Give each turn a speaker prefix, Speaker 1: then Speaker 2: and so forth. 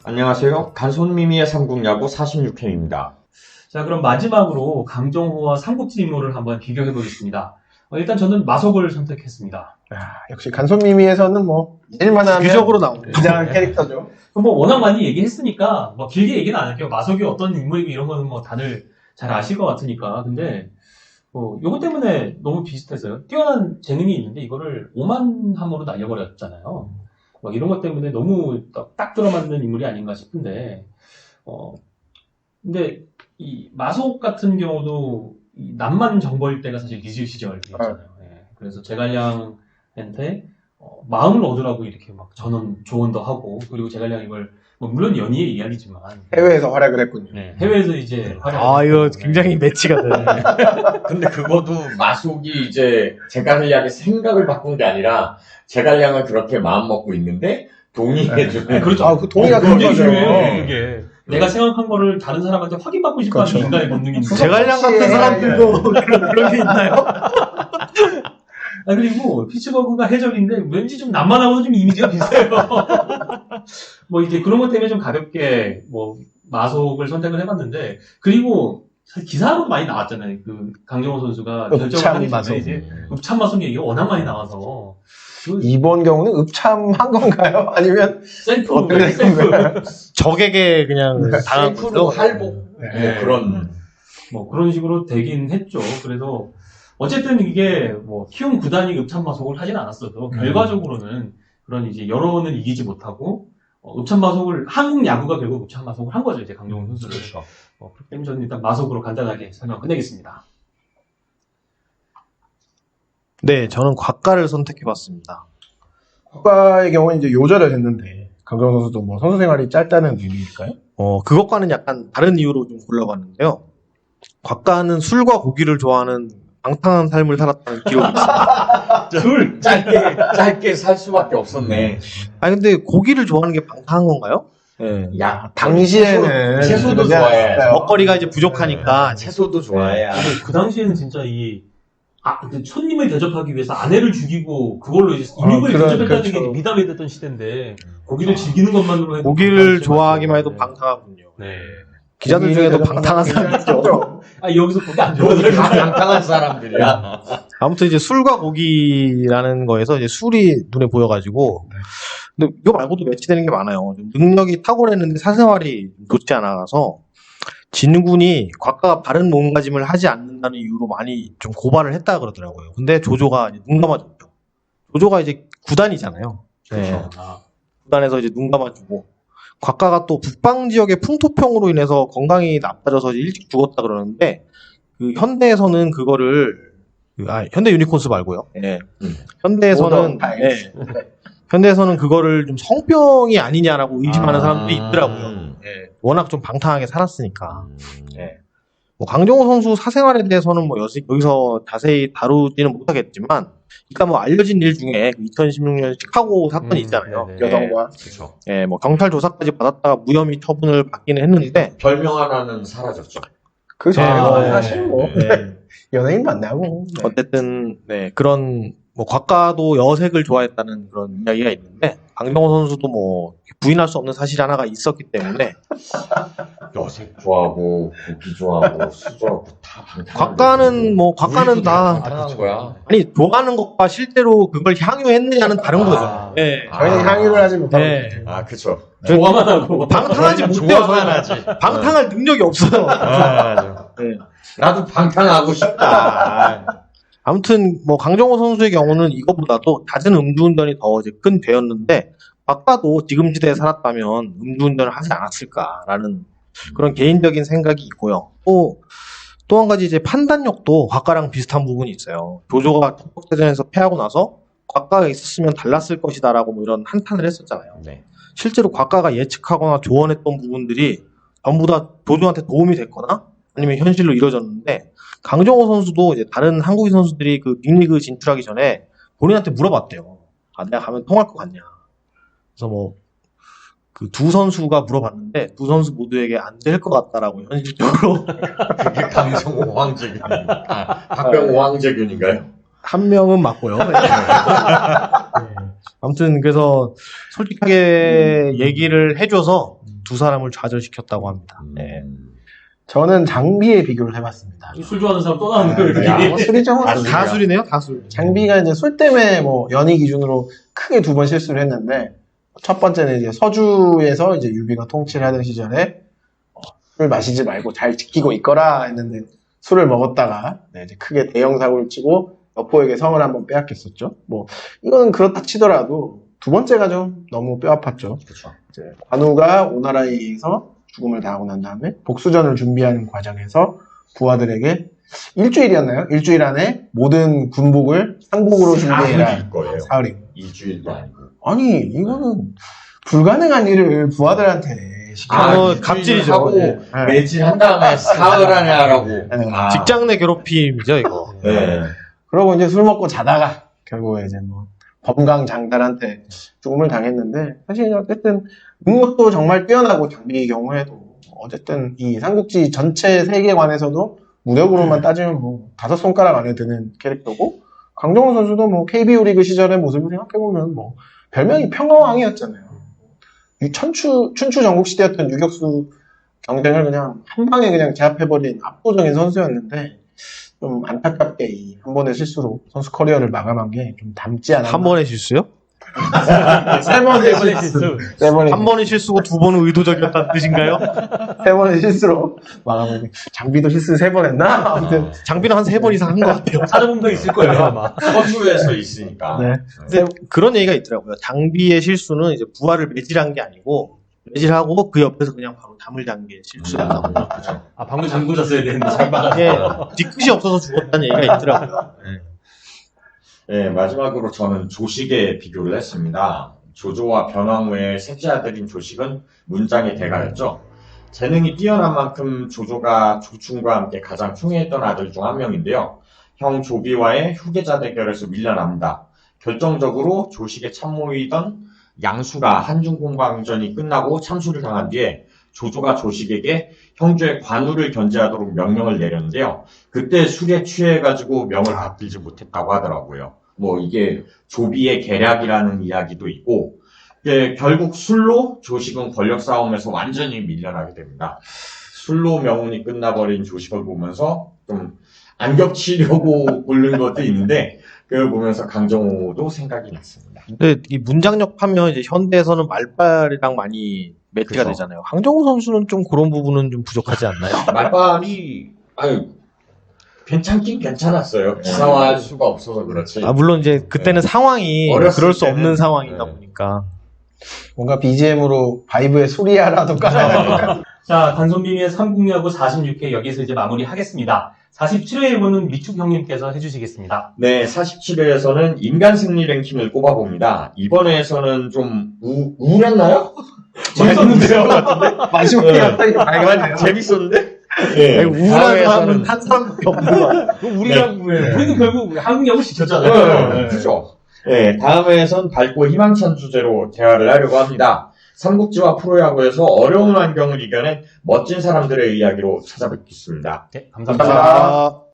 Speaker 1: 안녕하세요. 간손미미의 삼국야구 46회입니다.
Speaker 2: 자, 그럼 마지막으로 강정호와 삼국지 인물을 한번 비교해 보겠습니다. 일단 저는 마속을 선택했습니다.
Speaker 3: 역시 간손미미에서는 일만하면
Speaker 4: 기적으로 나오네.
Speaker 3: 굉장한 캐릭터죠.
Speaker 2: 뭐 워낙 많이 얘기했으니까 길게 얘기는 안 할게요. 마속이 어떤 인물이고 이런 거는 다들 잘 아실 것 같으니까. 근데 요거 때문에 너무 비슷했어요. 뛰어난 재능이 있는데 이거를 오만함으로 날려버렸잖아요. 이런 것 때문에 너무 딱 들어맞는 인물이 아닌가 싶은데, 근데 이 마속 같은 경우도 이 남만 정벌 때가 사실 리즈 시절이었잖아요. 예. 그래서 제갈량한테 마음을 얻으라고 이렇게 막 조언도 하고, 그리고 제갈량 이걸 물론 연희의 이야기지만
Speaker 3: 해외에서 활약을 했군요.
Speaker 2: 네, 해외에서 이제 활약을
Speaker 4: 이거
Speaker 2: 했고,
Speaker 4: 굉장히 매치가 되네.
Speaker 1: 근데 그것도 마속이 이제 제갈량의 생각을 바꾼 게 아니라 제갈량은 그렇게 마음 먹고 있는데 동의해주는.
Speaker 2: 그렇죠.
Speaker 3: 그 동의가
Speaker 2: 굉장히
Speaker 3: 들어가죠.
Speaker 2: 중요해요, 그게. 내가 생각한 거를 다른 사람한테 확인받고 싶어하는
Speaker 3: 그렇죠.
Speaker 2: 인간의 본능인데.
Speaker 4: 제갈량 같은 사람들도 그런 게 있나요?
Speaker 2: 그리고 피츠버그가 해적인데 왠지 좀 남만하고도 좀 이미지가 비슷해요. 이제 그런 것 때문에 좀 가볍게 마속을 선택을 해봤는데, 그리고 사실 기사로도 많이 나왔잖아요. 그 강정호 선수가 결정을 하기 전에 이제 읍참 마속 얘기가 워낙 많이 나와서
Speaker 3: 이번 경우는 읍참한 건가요? 아니면
Speaker 2: 셀프
Speaker 4: 적에게 그냥 당한
Speaker 1: 셀프로
Speaker 4: 거죠.
Speaker 1: 할복.
Speaker 2: 네.
Speaker 1: 그런.
Speaker 2: 식으로 되긴 했죠. 그래서 어쨌든 이게 키움 구단이 읍참마속을 하진 않았어도 결과적으로는 그런 이제 여론을 이기지 못하고 읍참마속을 한국 야구가 결국 읍참마속을 한 거죠. 이제 강정호 선수를.
Speaker 1: 그렇죠.
Speaker 2: 그렇기 때문에 저는 일단 마속으로 간단하게 설명 끝내겠습니다.
Speaker 4: 네, 저는 곽가를 선택해봤습니다.
Speaker 3: 국가의 경우는 이제 요절을 했는데 강정호 선수도 선수 생활이 짧다는 의미일까요?
Speaker 4: 그것과는 약간 다른 이유로 좀 골라봤는데요. 곽가는 술과 고기를 좋아하는 방탕한 삶을 살았다는 기록이 있습니다.
Speaker 1: 술 짧게 살 수밖에 없었네.
Speaker 4: 근데 고기를 좋아하는 게 방탕한 건가요? 네.
Speaker 1: 야,
Speaker 3: 당시에는
Speaker 1: 채소도 좋아해.
Speaker 4: 먹거리가 이제 부족하니까
Speaker 1: 채소도 좋아해.
Speaker 2: 근데 그 당시에는 진짜 그 손님을 대접하기 위해서 아내를 죽이고 그걸로 이제 인육을 대접했다는
Speaker 3: 그렇죠.
Speaker 2: 게 미담이 됐던 시대인데 고기를 즐기는 것만으로 해도
Speaker 4: 고기를 좋아하기만 해도 방탕하군요.
Speaker 2: 네.
Speaker 4: 기자들 중에도 방탕한 사람이 있죠.
Speaker 2: 여기서 고기 안 좋아서
Speaker 1: 다 방탕한 사람들이야.
Speaker 4: 아무튼 이제 술과 고기라는 거에서 이제 술이 눈에 보여가지고, 근데 이거 말고도 매치되는 게 많아요. 좀 능력이 탁월했는데 사생활이 좋지 않아서 진군이 곽가가 바른 몸가짐을 하지 않는다는 이유로 많이 좀 고발을 했다 그러더라고요. 근데 조조가 이제 눈 감아줬죠. 조조가 이제 구단이잖아요. 네. 구단에서 이제 눈 감아주고, 곽가가 또 북방 지역의 풍토병으로 인해서 건강이 나빠져서 일찍 죽었다 그러는데, 그 현대에서는 그거를 현대 유니콘스 말고요. 예. 현대에서는 현대에서는 그거를 좀 성병이 아니냐라고 의심하는 사람들이 있더라고요. 예. 워낙 좀 방탕하게 살았으니까. 예. 강정호 선수 사생활에 대해서는 여기서 자세히 다루지는 못하겠지만, 그러니까 알려진 일 중에 2016년 시카고 사건이 있잖아요.
Speaker 3: 여성과
Speaker 1: 그렇죠.
Speaker 4: 예, 경찰 조사까지 받았다가 무혐의 처분을 받기는 했는데,
Speaker 1: 별명 하나는 사라졌죠.
Speaker 3: 사실
Speaker 4: 네.
Speaker 3: 연예인 만나고
Speaker 4: 어쨌든 네, 곽가도 여색을 좋아했다는 그런 이야기가 있는데, 강정호 선수도 부인할 수 없는 사실 하나가 있었기 때문에
Speaker 1: 여색 좋아하고 고기 좋아하고 술 좋아하고 다 방탕한.
Speaker 4: 곽가는 다
Speaker 1: 방탕한 거야.
Speaker 4: 아니, 좋아하는 것과 실제로 그걸 향유했느냐는 다른 거죠. 예.
Speaker 3: 저희는 향유를 하지 못하고
Speaker 4: 네.
Speaker 1: 그쵸.
Speaker 2: 좋아만 하고
Speaker 4: 방탕하지 못해요.
Speaker 1: 좋아만 하지.
Speaker 4: 방탕할 능력이 없어요. 네.
Speaker 1: 나도 방탕하고 싶다.
Speaker 4: 아무튼 강정호 선수의 경우는 이거보다도 잦은 음주운전이 더 이제 큰 죄였는데, 곽가도 지금 시대에 살았다면 음주운전을 하지 않았을까라는 그런 개인적인 생각이 있고요. 또 한 가지 이제 판단력도 곽가랑 비슷한 부분이 있어요. 조조가 적국대전에서 패하고 나서 곽가가 있었으면 달랐을 것이다라고 이런 한탄을 했었잖아요.
Speaker 1: 네.
Speaker 4: 실제로 곽가가 예측하거나 조언했던 부분들이 전부 다 조조한테 도움이 됐거나 아니면 현실로 이루어졌는데, 강정호 선수도 이제 다른 한국인 선수들이 그 빅리그 진출하기 전에 본인한테 물어봤대요. 내가 가면 통할 것 같냐. 그래서 그 두 선수가 물어봤는데 두 선수 모두에게 안 될 것 같다라고 현실적으로.
Speaker 1: 그게 강정호 황재균. 박병호 황재균인가요?
Speaker 4: 한 명은 맞고요. 네. 아무튼 그래서 솔직하게 얘기를 해줘서 두 사람을 좌절시켰다고 합니다. 네.
Speaker 3: 저는 장비에 비교를 해봤습니다.
Speaker 2: 술 좋아하는 사람 또 나오는 거예요, 이렇게.
Speaker 3: 뭐 술이죠. 뭐.
Speaker 4: 다술이네요, 다술.
Speaker 3: 장비가 이제 술 때문에 뭐 연희 기준으로 크게 두 번 실수를 했는데 첫 번째는 이제 서주에서 이제 유비가 통치를 하던 시절에 술 마시지 말고 잘 지키고 있거라 했는데 술을 먹었다가 네, 이제 크게 대형 사고를 치고 여포에게 성을 한번 빼앗겼었죠. 뭐 이거는 그렇다 치더라도 두 번째가 좀 너무 뼈 아팠죠.
Speaker 1: 그렇죠.
Speaker 3: 이제 관우가 오나라에 의해서 죽음을 당하고 난 다음에 복수전을 준비하는 과정에서 부하들에게 일주일이었나요? 일주일 안에 모든 군복을 상복으로 준비해라.
Speaker 1: 사흘일 거예요.
Speaker 3: 사흘이.
Speaker 1: 일주일도 아니고.
Speaker 3: 아니 이거는 불가능한 일을 부하들한테 시켜.
Speaker 4: 갑질이죠.
Speaker 1: 하고
Speaker 3: 네.
Speaker 1: 매질한 다음에 사흘 안에 하라고.
Speaker 3: 네.
Speaker 4: 직장 내 괴롭힘이죠, 이거.
Speaker 1: 네.
Speaker 3: 그러고 이제 술 먹고 자다가 결국에 이제 뭐 범강장달한테 죽음을 당했는데 사실 어쨌든 능력도 정말 뛰어나고 장비의 경우에도 어쨌든 이 삼국지 전체 세계관에서도 무력으로만 따지면 뭐 5손가락 안에 드는 캐릭터고 강정호 선수도 뭐 KBO 리그 시절의 모습을 생각해보면 뭐 별명이 평화왕이었잖아요. 춘추 전국 시대였던 유격수 경쟁을 그냥 한 방에 그냥 제압해버린 압도적인 선수였는데 좀 안타깝게 이 한 번의 실수로 선수 커리어를 마감한 게 좀 담지 않았나.
Speaker 4: 한 번의 실수요?
Speaker 3: 세 번의 실수. 세 번의
Speaker 4: 한 번의 실수고 두 번은 의도적이었다는 뜻인가요?
Speaker 3: 세 번의 실수로 마감한 게 장비도 실수 3번 했나? 아무튼
Speaker 4: 장비는 한 3번 이상 한 것 같아요.
Speaker 2: 찾아본 거 있을 거예요, 아마.
Speaker 1: 서주에서 있으니까.
Speaker 3: 네.
Speaker 4: 근데 그런 얘기가 있더라고요. 장비의 실수는 이제 부하를 매질한 게 아니고 매질하고 그 옆에서 그냥 바로 담을 잔 게 실수였다고.
Speaker 1: 그렇죠.
Speaker 2: 아, 방금 잠궈 잤어야 되는데, 잘 막았어.
Speaker 4: 예, 뒤끝이 없어서 죽었다는 얘기가 있더라고요.
Speaker 1: 네, 마지막으로 저는 조식에 비교를 했습니다. 조조와 변왕후의 셋째 아들인 조식은 문장의 대가였죠. 재능이 뛰어난 만큼 조조가 조충과 함께 가장 흉해했던 아들 중 한 명인데요. 형 조비와의 후계자 대결에서 밀려납니다. 결정적으로 조식의 참모이던 양수가 한중공방전이 끝나고 참수를 당한 뒤에 조조가 조식에게 형제의 관우를 견제하도록 명령을 내렸는데요. 그때 술에 취해가지고 명을 받들지 못했다고 하더라고요. 뭐 이게 조비의 계략이라는 이야기도 있고 결국 술로 조식은 권력 싸움에서 완전히 밀려나게 됩니다. 술로 명운이 끝나버린 조식을 보면서 좀 안 겹치려고 고른 것도 있는데 그걸 보면서 강정호도 생각이 났습니다.
Speaker 4: 근데 이 문장력 하면 이제 현대에서는 말빨이랑 많이 매치가
Speaker 1: 그죠.
Speaker 4: 되잖아요. 강정호 선수는 좀 그런 부분은 좀 부족하지 않나요?
Speaker 1: 말빨이 괜찮긴 괜찮았어요. 기사화할 수가 없어서 그렇지.
Speaker 4: 아, 물론 이제 그때는 상황이
Speaker 1: 어렸을
Speaker 4: 그럴 수
Speaker 1: 때는,
Speaker 4: 없는 상황이다
Speaker 1: 네.
Speaker 4: 보니까.
Speaker 3: 뭔가 BGM으로 바이브의 소리야라도 깔아야
Speaker 2: 자, 단손비미의 삼국야구 46회 여기서 이제 마무리하겠습니다. 47회 1부는 미축 형님께서 해주시겠습니다.
Speaker 1: 네, 47회에서는 인간 승리 랭킹을 꼽아봅니다. 이번 회에서는 좀 우울했나요?
Speaker 2: 재밌었는데요?
Speaker 3: 마지막에
Speaker 1: 네.
Speaker 3: 갑자기 밝아지네요.
Speaker 1: 재밌었는데? 네,
Speaker 4: 아니, 우울한
Speaker 1: 다음에서는-
Speaker 4: 사람은 한 사람밖에 없는 거 같아요.
Speaker 2: 우리랑,
Speaker 1: 네.
Speaker 2: 우리는 결국 한국야구 시켰잖아요.
Speaker 1: 네, 그죠. 네, 다음 회에선 밝고 희망찬 주제로 대화를 하려고 합니다. 삼국지와 프로야구에서 어려운 환경을 이겨낸 멋진 사람들의 이야기로 찾아뵙겠습니다.
Speaker 2: 네, 감사합니다.
Speaker 3: 감사합니다.